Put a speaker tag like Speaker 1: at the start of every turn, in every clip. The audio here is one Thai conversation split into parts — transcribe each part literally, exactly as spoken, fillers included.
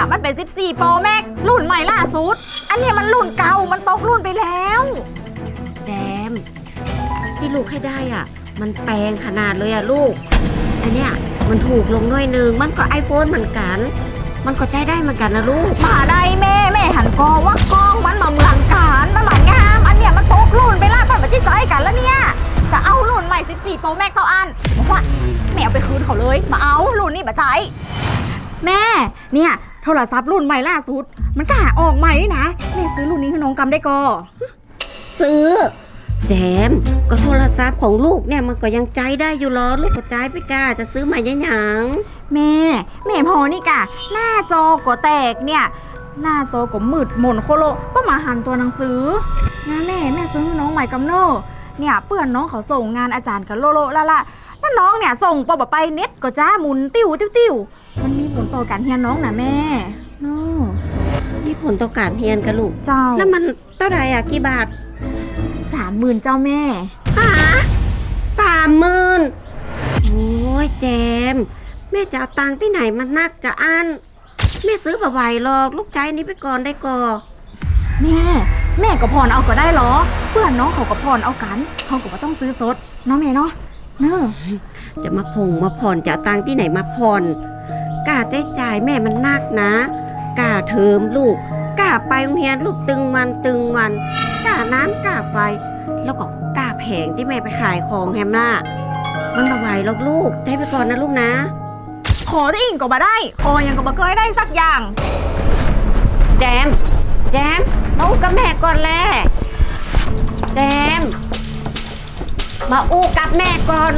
Speaker 1: เนี่ยมันเป็นสิบสี่ Pro Max รุ่นใหม่ล่าสุดอันเนี้ยมันรุ่นเก่ามันตกรุ่นไปแล้ว
Speaker 2: แจมที่ลูกให้ได้อ่ะมันแปลงขนาดเลยอ่ะลูกอันเนี้ยมันถูกลงหน่อยนึงมันก็ไอโฟนเหมือนกันมันก็ใจได้เหมือนกันนะลูก
Speaker 1: มาได้แม่แม่หันกอว่ากล้องมันมาเหมือนกันมันหมางามอันเนี้ยมันตกรุ่นไปล่าปันมาจิ้ใจกันแล้วเนี่ยจะเอารุ่นใหม่สิบสี่ Pro Max เท่าอันบอกว่าแม่เอาไปคืนเขาเลยมาเอารุ่นนี้มาใจแม่เนี่ยโทรศัพท์รุ่นใหม่ล่าสุดมันก็หาออกใหม่นี่นะแม่ซื้อรุ่นนี้ให้น้องกำได้ก็
Speaker 2: ซื้อแจมก็โทรศัพท์ของลูกเนี่ยมันก็ยังใจได้อยู่หรอลูกก็ใจไปกล้าจะซื้อใหม่ยังยัง
Speaker 1: แม่แม่พอนี่กะหน้าจอก็แตกเนี่ยหน้าจอก็มืดหม่นโคโลก็มาหันตัวหนังสือนะแม่แม่ซื้อให้น้องใหม่กำเนอเนี่ยเปื่อนน้องเขาส่งงานอาจารย์กันโลโลละละนั่นน้องเนี่ยส่งปอบไปเน็ตก็จ้าหมุนติ้วติ้วติ้วมันมีผลต่อการเรียนน้องนะแม่เนาะ
Speaker 2: มีผลต่อการเรียนกันลูก
Speaker 1: เจ้า
Speaker 2: แล้วมันเท่าไหร่อ่ะกี่บาท
Speaker 1: สามหมื่นเจ้าแม่
Speaker 2: ฮะสามหมื่นโอ้ยแจมแม่จะเอาตังค์ที่ไหนมันนักจะอันแม่ซื้อบ่ไหวหรอกลูกใจนี้ไปก่อนได้ก่อ
Speaker 1: แม่แม่ก็ผ่อนเอาก็ได้หรอเพื่อนน้องเขาก็ผ่อนเอากันเขาก็ต้องซื้อสดเนาะแม่เนาะเนอะ
Speaker 2: จะมาพงมาผ่อนจะเอาตังค์ที่ไหนมาผ่อนกล้าใจจ่ายแม่มันนักนะกล้าเทอมลูกกล้าไปโรงเรียนลูกตึงวันตึงวันกล้าน้ำกล้าไฟแล้วก็กล้าแผงที่แม่ไปขายของแฮมล่ะมันบ่ไหวหรอกลูกใจไปก่อนนะลูกนะ
Speaker 1: ขอที่อิ่งก็มาได้ขอยังก็มาเคยได้สักอย่าง
Speaker 2: แจมแจมมาอู้กับแม่ก่อนแล่แจมมาอู้กับแม่ก่อน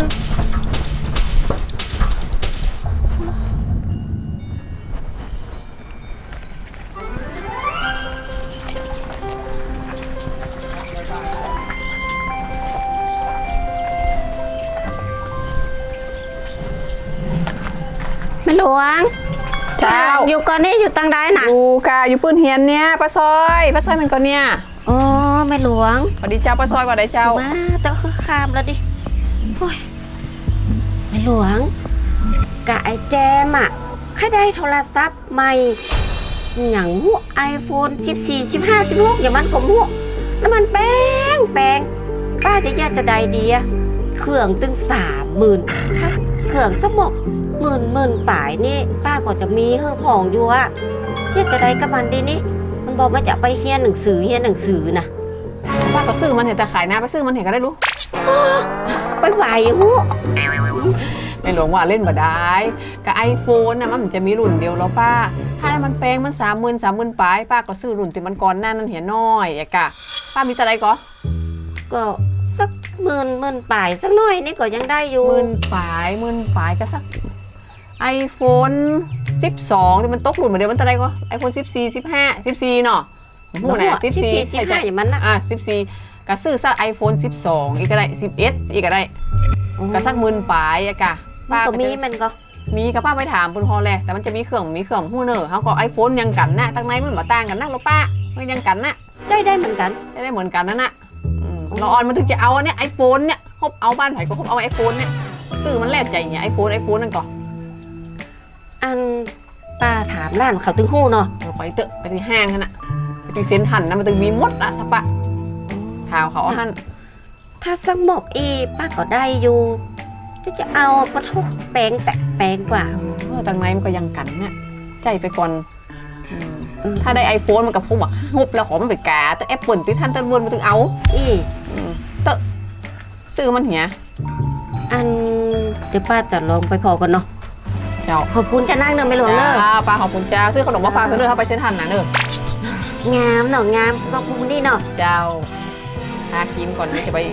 Speaker 2: แม่หลวง
Speaker 3: เจ้า
Speaker 2: อยู่ก่อนนี่อยู่ตังใดน่ะ
Speaker 3: อยู่กะอยู่ปืนเฮียนเนี่ยป้าซอยป้าซอยมันก่อนเนี่ย
Speaker 2: อ๋อแม่หลวง
Speaker 3: สวัสดีเจ้าป้าซอยว่าได้เจ้า
Speaker 2: มาเตอะคือคามแล้วดิโอ้ยแม่หลวงกะไอแจมอ่ะใครได้โทรศัพท์ใหม่อย่างหัวไอโฟนสิบสี่ สิบห้า สิบหกอย่างมันก็หัวแล้วมันแป้งแป้งป้าจะแยกจะได้ดีอะเครื่องตึงสามหมื่นถ้าเครื่องสมองหมื่นหมื่นป่ายนี่ป้าก็จะมีเฮือผ่องอยู่อะอยากจะได้กับมันดีนี่มันบอกว่าจะไปเฮียนหนังสือเฮียนหนังสือนะ
Speaker 3: ป้าก็ซื้อมันเห็นแต่ขายหน้าไปซื้อมันเห็นก็ได้รู้
Speaker 2: ไปไหวหู
Speaker 3: ในหลวงว่าเล่นบ่ได้กับไอโฟนนะมันจะมีรุ่นเดียวแล้วป้าถ้ามันแพงมันสามหมื่นสามหมื่นป่ายป้าก็ซื้อรุ่นที่มันก่อนหน้านั้นเห็นน้อยอะกะป้ามีอะไรก็
Speaker 2: ก็สักหมื่นหมื่นป่ายสักหน่อยนี่ก็ยังได้อยู่
Speaker 3: หมื่นป่ายหมื่นป่ายก็สักไอโฟนสิบสองที่มันตกหลุดเหมือนเดิมมันอะไรก็ไอโฟนสิบสี่ สิบห้า สิบสี่เนาะหูไหนสิบสี่
Speaker 2: สิบห้าอย่างมันนะ
Speaker 3: อ่ะสิบสี่ก็ซื้อสักไอโฟนสิบสองอีกก็ได้สิบเอ็ดอีกก็ได้ก็สักหมื่นปลายอะกะ
Speaker 2: ป้าก็มีมันก็
Speaker 3: มีกับป้าไปถามคุณพ่อเลยแต่มันจะมีเครื่องมีเครื่องหูเนอร์เขาก็ไอโฟนยังกันนะตั้งในมันมาต่างกันนักหรอป้ามันยังกันนะ
Speaker 2: ได้ได้เหมือนกัน
Speaker 3: ได้ได้เหมือนกันนั่นน่ะเราออนมันถึงจะเอาอันเนี้ยไอโฟนเนี่ยครบเอาบ้านไผ่ก็ครบเอาไอโฟนเนี่ยซื้อมันแลกใจเนี่ยไอโฟนไอโฟนนั่นก่อน
Speaker 2: อันป้าถามร้านเขาตึงหู้เนาะ
Speaker 3: ไปเตอะไปที่ห้างน่ะไปที่เซ็นหันนะมันตึงมีมดละสปะถามเขาหัน
Speaker 2: ถ้าสมบอีป้าก็ได้อยู่จะจะเอาปะทุกแปลงแต่แปลงกว่า
Speaker 3: เออตั้งในมันก็ยังกันเนี่ยใจไปก่อนถ้าได้ไอโฟนมันกับคงแบบฮุบแล้วขอมันไปกาแต่แอปเปิลที่ท่านตะวันมันตึงเอา
Speaker 2: อี
Speaker 3: เตอะซื้อมันเหี้ย
Speaker 2: อันเดี๋ยวป้าจะลองไปพอกันเนาะ
Speaker 3: เจ้า
Speaker 2: ขอบคุณจะนั่งเนอะไม่หลวงเนอะ
Speaker 3: ป้าขอบคุณเจ้าซื้อขนมมาฝากเพื่อนเขาไปเซ็นทันนะเนอะ
Speaker 2: งามเนาะงามขอบคุณนี่เนาะ
Speaker 3: เจ้าทาครีมก่อนนี่จะไป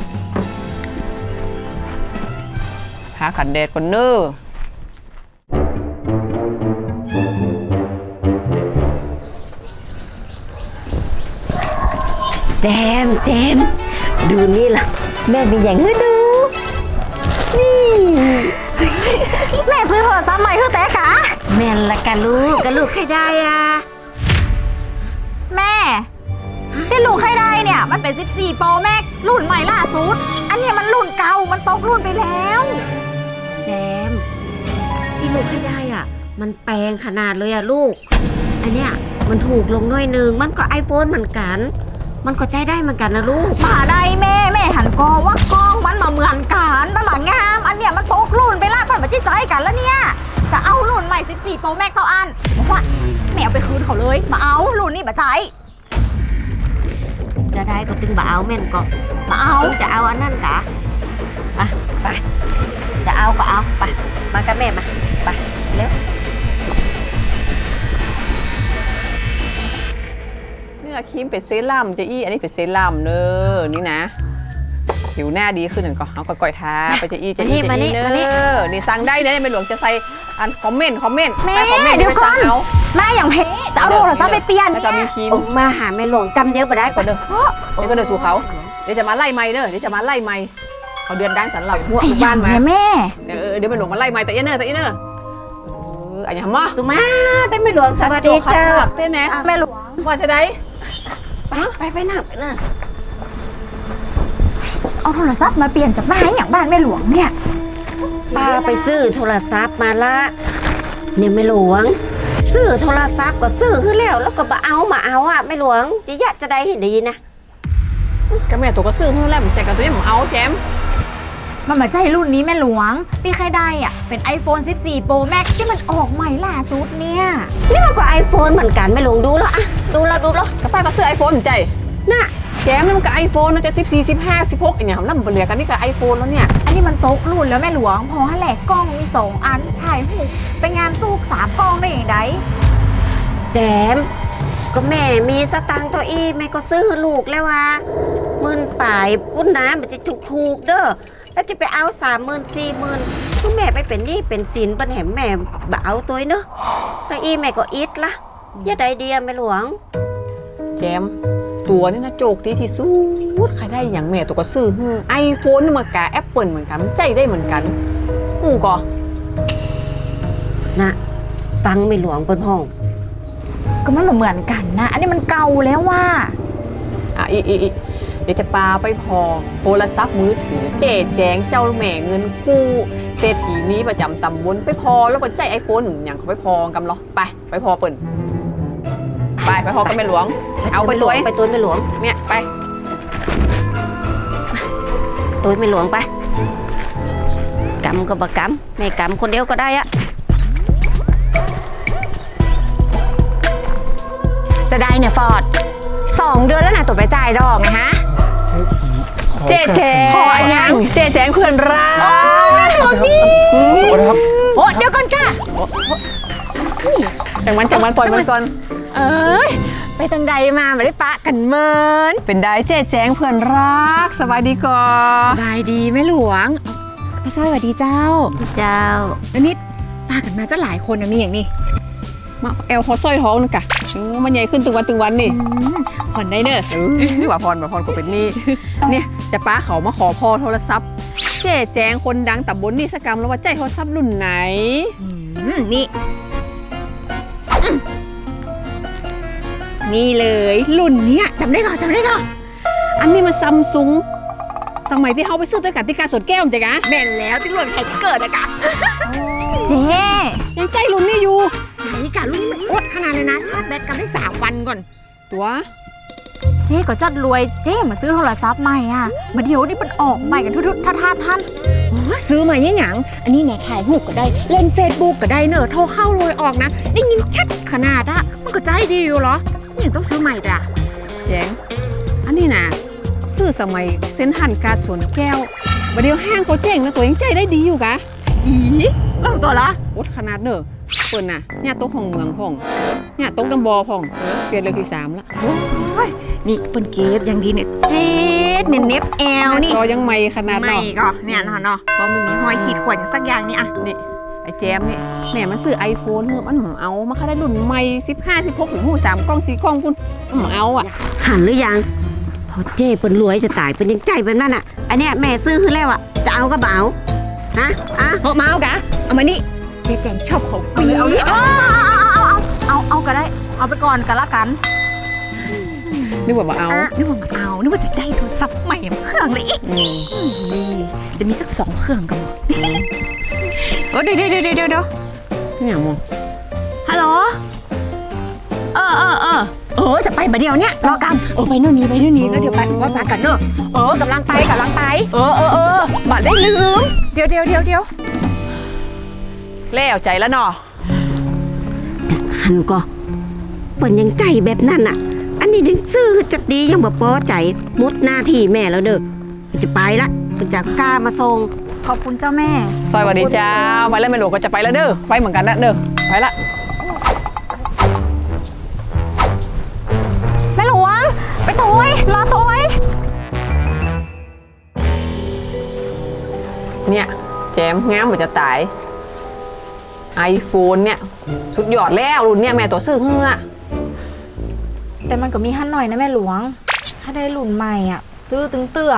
Speaker 3: ทาขันแดดก่อนเนอะ
Speaker 2: แจมแจมดูนี่ล่ะแม่มีอย่างให้ดูนี่
Speaker 1: แม่ซื้อโทรศัพท์ใหม่คือแต่ขา
Speaker 2: แม่ละกันลูกกันลูกใครได้อ่ะ
Speaker 1: แม่ที่ลูกใครได้เนี่ยมันเป็นสิบสี่ Pro Max รุ่นใหม่ล่าสุดอันนี้มันรุ่นเก่ามันตกรุ่นไปแล้ว
Speaker 2: แจมที่ลูกใครได้อ่ะมันแพงขนาดเลยอะลูก อันเนี้ยมันถูกลงหน่อยนึงมันก็ไอโฟนเหมือนกัน มันก็ใจได้เหมือนกันนะลูก
Speaker 1: มาได้แม่แม่หันกองว่ากองมันมาเหมือนกันมันหมางาม อันเนี้ยมันตกรุ่นไปละมันมาจี้ใจกันแล้วเนี่ยจะเอารุ่นใหม่สิบสี่ Pro Max เท่าอันบอกว่าแม่เอาไปคืนเขาเลยมาเอารุ่นนี้มาใจ
Speaker 2: จะได้ก็ตึงบ่เอาแม่นก็
Speaker 1: มาเอา
Speaker 2: ตึงจะเอาอันนั้นกะอ่ะไปจะเอาก็เอาไปมากับแม่มาไปเร็ว
Speaker 3: เนื้อครีมเป็นเซรั่มเจอี้อันนี้เป็นเซรั่มเนอนี่นะผิวหน้าดีขึ้นหนึ่งก็เอาก็ก่อยทาไปเจอี้เจอี้เจอี้เนอนี่สั่งได้นะไม่หลวงจะใส่อันคอมเมนต์คอมเมนต์
Speaker 1: แม่
Speaker 3: ไปคอมเมนต์
Speaker 1: เดี๋ยว
Speaker 3: ไป
Speaker 1: ก่อ
Speaker 3: สั่ง
Speaker 1: น
Speaker 3: เอา
Speaker 1: แม่อย่างเพจะเอาโทรศัพท์ไปเปลี่ยน
Speaker 3: แล้วก็มีครีม
Speaker 2: ออกมาหาแม่หลวงกำเดียวไปได้
Speaker 3: ก่อนเด้อเดี๋ยวก็เดินสู่เขาเดี๋ยวจะมาไล่ไม้เด้อเดี๋ยวจะมาไล่ไม้เขาเดือนด้านสันเหล่าหัว
Speaker 1: ไอ้
Speaker 3: บ้านมา
Speaker 1: แม่
Speaker 3: เออเดี๋ยวไปหลวงมาไล่ไม้แต่เอี้ยเนอแต่เอี้ยเนอเอออันนี้มา
Speaker 2: สุมาได้แม่หลวงสวัสดีเจ้า
Speaker 3: เต้นแน่
Speaker 1: แม่หลวง
Speaker 3: ว่าจะได้
Speaker 2: ไปไปไปนั่งไปนั่ง
Speaker 1: เอาโทรศัพท์มาเปลี่ยนจากบ้านอย่างบ้านแม่หลวงเนี่ย
Speaker 2: ป้าไปซื้อโทรศัพท์มาละเนี่ยแม่หลวง ซื้อโทรศัพท์ก็ซื้อขึ้นแล้วแล้วก็มาเอามาเอาอ่ะแม่หลวงจะยะจะได้เห็นดีนะ
Speaker 3: ก็แม่ตัวก็ซื้อเพิ่งแรกผมแจกกันตัวนี้ผมเอาแจม
Speaker 1: มันมาใจรุ่นนี้แม่หลวงที่ใครได้อ่ะเป็น iPhone สิบสี่ Pro Max ที่มันออกใหม่ล่าสุดเนี่ย
Speaker 2: นี่มันก็ไอโฟนเหมือนกันแม่หลวงดูแล้วอะดูแล้วดูแล้ว
Speaker 3: กระป้าก็ซื้อไอโฟนใจ
Speaker 2: น่ะ
Speaker 3: แจมนี่มันก็ไอโฟนนะจะสิบสี่สิบห้าสิบหกอย่างเงี้ยแล้วมันเหลือกันนี่ก็ไอโฟนแล้วเนี่ย
Speaker 1: อันนี้มันตกรุ่นแล้วแม่หลวงพอให้แหลกกล้องมีสองอันถ่ายหูปไปงานสู้สามกล้องได้อย่างไร
Speaker 2: แจมก็แม่มีสตังค์ตัวอีแม่ก็ซื้อลูกแล้วว่าหมื่นป่ายกุ้นนะมันจะถูกถูกๆเด้อแล้วจะไปเอาสามหมื่นสี่หมื่นก็แม่ไปเป็นหนี้เป็นสินปัญแหมแม่บ่เอาตัวเนอะตัวอีแม่ก็อิดละอย่าได้เดียแม่หลวง
Speaker 3: แจมตัวนี่นะโจกดีที่สุดใครได้อย่างแม่ตัวก็ซื้อไอโฟนนี่มันกะแอปเปิลเหมือนกันใจได้เหมือนกันหูก็
Speaker 2: นะฟังแม่หลวงเปิ้นห้อง
Speaker 1: ก็มันเหมือนกันนะ อันนี้มันเก่าแล้วว่า
Speaker 3: อ่ะอีอีอีเดี๋ยวจะปาไปพอโทรศัพท์มือถือเจ๊แจงเจ้าแม่เงินกู้เศรษฐีนี้ประจำตำบลไปพอแล้วก็ใจไอโฟนอย่างเขาไปพอกำเหรอไปไปพอเปิ่นไปไปพอกันแม่หลวง เอาไปตัว
Speaker 2: ไปตัวแม่หลวง
Speaker 3: เนี่ยไป
Speaker 2: ตัวแม่หลวงไปกำก็บกำแม่กำคนเดียวก็ได้อะ
Speaker 4: จะได้เนี่ยฟอร์ดสองเดือนแล้วนะตัวไปจ่ายดอกไงฮะ
Speaker 3: เจ๊แจง
Speaker 4: ขออันยัง
Speaker 3: เจ๊แจงเพื่อนรัก
Speaker 4: ขอนี่
Speaker 5: ขอโทษครับ
Speaker 4: โอ้เดี๋ยวก่อนค่ะ
Speaker 3: จังมันจังมันปล่อยมันก่อน
Speaker 4: เอ้ยไปทางใดมาไม่ได้ปะกันเมิน
Speaker 3: เป็นได้เจ๊แจงเพื่อนรักสบายดีก่อ
Speaker 4: สบายดีแม่หลวงพระสวัสดีเจ้า
Speaker 2: เจ้า
Speaker 4: แล้วนี่ปากันมาเจ้าหลายคนนะมีอย่างนี้
Speaker 3: มาแอลเขาสร้อยท้องนึงกะอืมมันใหญ่ขึ้นตึงวันตึงวันนี่
Speaker 4: ผ่อนได้เนอะ
Speaker 3: เออว่าพรว่าพรก็เป็นนี่เนี่ยจะป้าเขามาขอพอโทรศัพท์ เจ๊แจงคนดังตับบนนี่สกรรมแล้วว่าใจโทรศัพท์รุ่นไหน
Speaker 4: อืมนี่อืมนี่เลยรุ่นเนี้ยจำได้ก่อนจำได้ก่อน
Speaker 3: อันนี้มันซัมซุงสมัยที่เขาไปซื้อด้วยกันที่การสดแก้วมั้งจ๊ะกะ
Speaker 4: แม่นแล้วที่รุ่นใครที่เกิดอะกะ
Speaker 1: เจ๊
Speaker 3: ยังใจรุ่นนี้อยู่
Speaker 4: ใจกะรุ่นนี้มันอดขนาดเลยนะชาร์จแบตกันได้สามวันก่อน
Speaker 3: ตัว
Speaker 1: เจ๊ก็จัดรวยเจ๊มาซื้อโทรศัพท์ใหม่อ่ะมาเดี๋ยวนี้มันออกใหม่กันทุกๆท่าท่าท่าน
Speaker 4: อ๋อซื้อมาเนี่ยหยังอันนี้เนี่ยถ่ายรูปก็ได้ เล่นเฟซบุ๊กก็ได้เนอะโทรเข้าโรยออกนะ ได้ยินชัดขนาดอะมันก็ใจดีอยู่เหรอนี่ยังต้องซื้อใหม่ด่ะ
Speaker 3: แจงอันนี้นะซื้อสมัยเซ็นทรัลการสวนแก้วบัดเดียวห้างเขาเจ๊งนะตัวยังใจได้ดีอยู่กะ
Speaker 4: อีเล่าตัวละ
Speaker 3: อดขนาดเนอะเปิ่นน่ะเนี่ยโต๊ะของเมืองพ่องเนี่ยโต๊ะดำบอพ่องเปลี่ยนเรื่องที่สามละ
Speaker 4: นี่เปิ้นเก็บอย่างดีเนี่ยเจ็ดเนี่ยเน็บแอลนี่
Speaker 3: จอยังไม่ขนาด
Speaker 4: ไม่
Speaker 3: เนาะ
Speaker 4: ก็เนี่ยเนาะเนาะเพราะมันมีห้อยขีดข่วนอย่างสักอย่างนี่อะ
Speaker 3: นี่ไอ้แจมนี่แม่มันซื้อไอโฟนมันหมเอามาค่าได้รุ่นใหม่สิบห้าสิบหกถึงหูสามกล้องสี่กล้องคุณมันหมเอาอ่ะ
Speaker 2: หันหรือยังพอเจ้เปิ้นรวยจะตายเป็นยังใจเป็นนั่นอ่ะอันเนี้ยแม่ซื้อขึ้นแล้วอ่ะจะเอาก็บ่เอาฮะอ่ะ
Speaker 4: เอามาเอากะเอามานี่เจ๊แจงชอบของฟรี
Speaker 1: เอาดิเอาเอาเอาเอาเอาก็ได้ เอาไปก่อนกันละกัน
Speaker 3: นึกว่ามาเอา
Speaker 4: นึกว่ามาเอานึกว่าจะได้โทรศัพท์ใหม่มาเครื่องเลยอีก
Speaker 3: อืม
Speaker 4: นี่จะมีสักสองเครื่องกันหมดโอ้เดี๋ยวเดี๋ยวเดี๋ยวเดี๋ยว
Speaker 3: นี่อย่างมอง
Speaker 4: เออเออเออเออจะไปมาเดียวเนี่ยรอกำเออไปนู่นนี่ไปนู่นนี่แล้วเดี๋ยวไปว่าปากันเนอะเออกำลังไปกำลังไป เออเออเออบัดได้ลืมเดี๋ยวเดี๋ยวเดี๋ยวเดี๋ยว
Speaker 3: แล้วใจแล้วเนาะ
Speaker 2: หันก็เปิ่นยังใจแบบนั้นอ่ะ อันนี้ยังซื่อจัดดียังบ่พอใจมุดหน้าที่แม่แล้วเด้อจะไปละจะกล้ามาส่ง
Speaker 1: ขอบคุณเจ้าแม่
Speaker 3: ซอยสวัสดีเจ้าไปแล้วแม่หลวงก็จะไปแล้วเด้อไปเหมือนกันนะเด้อไปละ
Speaker 1: แม่หลวงไปตัวไว้รอตัวไว้
Speaker 3: เนี่ยแจมงามกว่าจะตายไอโฟนเนี่ยสุดยอดแล้วรุ่นเนี่ยแม่ตัวซื้อเฮือ
Speaker 1: แต่มันก็มีหั่นหน่อยนะแม่หลวง ถ้าได้รุ่นใหม่อ่ะ ซื้อตึงเตื้อ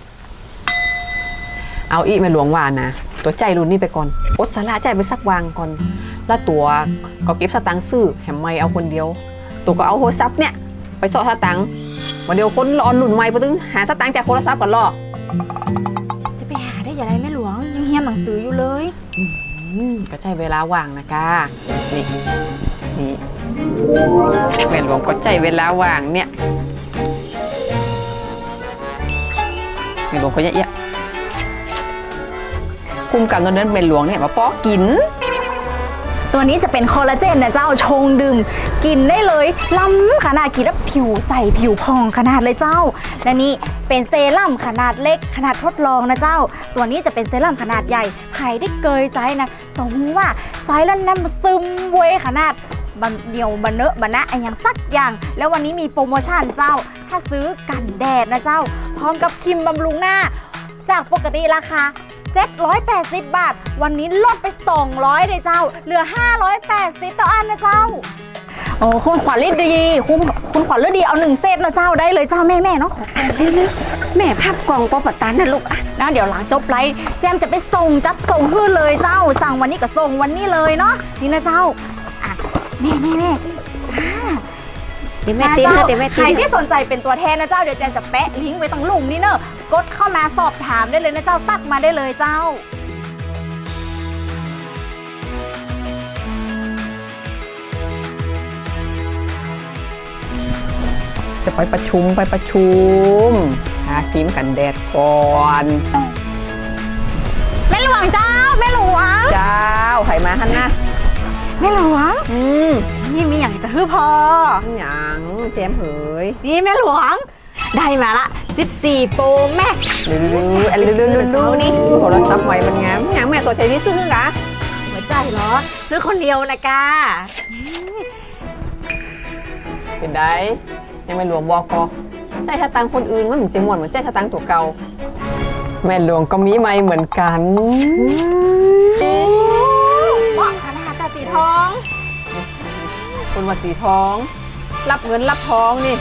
Speaker 3: เอาอีแม่หลวงว่านะตัวใจรุ่นนี้ไปก่อนอดสาระใจไปสักวางก่อน แล้วตัวก็เก็บสตังค์ซื้อแหมไม่เอาคนเดียว ตัวก็เอาโทรศัพท์เนี่ยไปสอดสตังค์วันเดียวคนรอนรุ่นใหม่ไปตึงหาสตังค์จากโทรศัพท์ก่อนรอ
Speaker 1: จะไปหาได้อย่างไรแม่หลวง ยังเรียนหนังสืออยู่เลย
Speaker 3: อืมก็ใช้เวลาว่างนะกานี่นี่แม่หลวงก็ใจเวลาว่างเนี่ยแม่หลวงก็เยอะๆคุมกับเงินเดือนแม่หลวงเนี่ยมาป้อกิน
Speaker 1: ตัวนี้จะเป็นคอลลาเจนนะเจ้าชงดื่มกินได้เลยล้ำขนาดกินแล้วผิวใสผิวพองขนาดเลยเจ้า และนี่เป็นเซรั่มขนาดเล็กขนาดทดลองนะเจ้า ตัวนี้จะเป็นเซรั่มขนาดใหญ่ใครได้เกยใจนะสมมติว่าใจแล้วน้ำมันซึมเวยขนาดบันเดียวบันเนอะบันนะไอ้อย่างสักอย่าง แล้ววันนี้มีโปรโมชั่นเจ้า ถ้าซื้อกันแดดนะเจ้า พร้อมกับครีมบำรุงหน้า จากปกติราคาเจ็ดร้อยแปดสิบบาท วันนี้ลดไปสองร้อยเลยเจ้า เหลือห้าร้อยแปดสิบต่ออันนะเจ้า โอ้คุณขวัญฤดีคุณคุณขวัญฤดีเอาหนึ่งเซตนะเจ้าได้เลยเจ้าแม่แม่เนาะ
Speaker 2: แม่ภาพกล่องปอปะตันนะลูกอ่ะ
Speaker 1: นะเดี๋ยวหลังจบไลฟ์แจมจะไปส่งจัดส่งขึ้นเลยเจ้า สั่งวันนี้ก็ส่งวันนี้เลยเนาะนี่นะเจ้าอ่ะแม่แม่แม่อ่า
Speaker 2: เดี๋ยวแม่ตีนนะเดี๋ยวแม่
Speaker 1: ใค
Speaker 2: ตี
Speaker 1: ร
Speaker 2: น
Speaker 1: ที่สนใจเป็นตัวแทนนะเจ้าเดี๋ยวแจมจะแปะลิงก์ไว้ตรงลุงนี่เนอะกดเข้ามาสอบถามได้เลยนะเจ้าตักมาได้เลยเจ้า
Speaker 3: จะไปประชุมไปประชุมหาครีมกันแดดก่อน
Speaker 1: แม่หลวงเจ้าแม่หลวง
Speaker 3: เจ้าไข่มาฮันนะ
Speaker 1: แม่หลวง
Speaker 3: อืม
Speaker 1: นี่มีอย่างจะฮือพอ
Speaker 3: หยังแจมเหย
Speaker 1: นี่แม่หลวง ได้มาละสิบสี่โปรแม็ก
Speaker 3: ลืออันลือลือลือนี่โทรศัพท์ใหม่มันงามหยังแม่ตัวใจนี่ซื้อกะ
Speaker 1: หัวใจเหรอ ซื้อคนเดียวนะกา
Speaker 3: เป็นได้ยังไม่หลวงบอกก็ใจถ้าตังคนอื่นมันเหมือนจะหมวนเหมือนใจถ้าตังตัวเก่าแม่หลวงก็มีไม่เหมือนกัน
Speaker 1: เหมาะขนาดตาสีทอง
Speaker 3: คนวัดสีทอง รับเงินรับทองนี่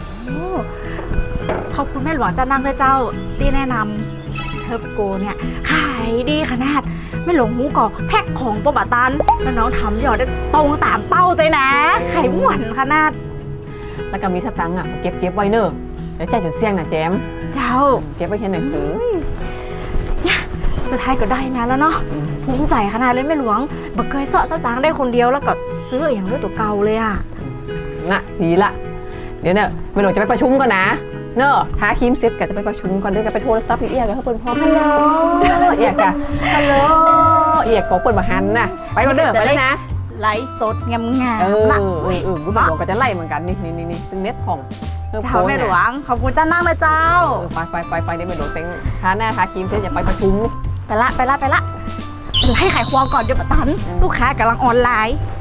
Speaker 1: ขอบคุณแม่หลวงจะนั่งด้วยเจ้าที่แนะนำเทอร์โกเนี่ยขายดีขนาดแม่หลวงหูก่อแพ็คของปะบะตันแล้วน้องทำยอดได้ตรงตามเป้าเลยนะไข่หวานขนาด
Speaker 3: แล้วก็มีสตังค์อ่ะเก็บเก็บไว้เนอะแล้วใจจดเสี่ยงนะแจม
Speaker 1: เจ้า
Speaker 3: เก็บไว้เขียนหนังสือ
Speaker 1: เนี่ยสุดท้ายก็ได้มาแล้วเนาะภูมิใจขนาดเลยแม่หลวงบักเคยเสาะสตางค์ได้คนเดียวแล้วก็ซื้ออย่างด้วยตัวเก่าเลยอ่ะ
Speaker 3: น่ะดีละเดี๋ยวเนอะแม่หลวงจะไปประชุมก่อนนะเนอะท้าครีมเซ็ตกันจะไปประชุมก่อนเดี๋ยวกันไปโทรศัพท์อีเอียกันเขาเปิดพร้อมฮัลโหลเอียกอะฮัลโหลเอียกของเปิดมาหันน่ะไปก่อนเด้อไปเลยนะ
Speaker 1: ไลฟ์สดงามงา
Speaker 3: เอ
Speaker 1: ม
Speaker 3: อ
Speaker 1: ละ
Speaker 3: เออเออแม่หลวงก็จะไล่เหมือนกันนี่นี่นี่นี่เป็นเน็ตของเออ
Speaker 1: เจ้าแม่หลวงขอบคุณเจ้านั่งเลยเจ้า
Speaker 3: เออไปไปไปไปเดี๋ยวแม่หลวงเต็งท้าหน้าท้าครีมเซ็ตอย่าไปประชุมนี่
Speaker 1: ไปละไปละไปละให้ขายควงก่อนเดี๋ยวปะตัน ลูกค้ากำลังออนไลน์
Speaker 3: เ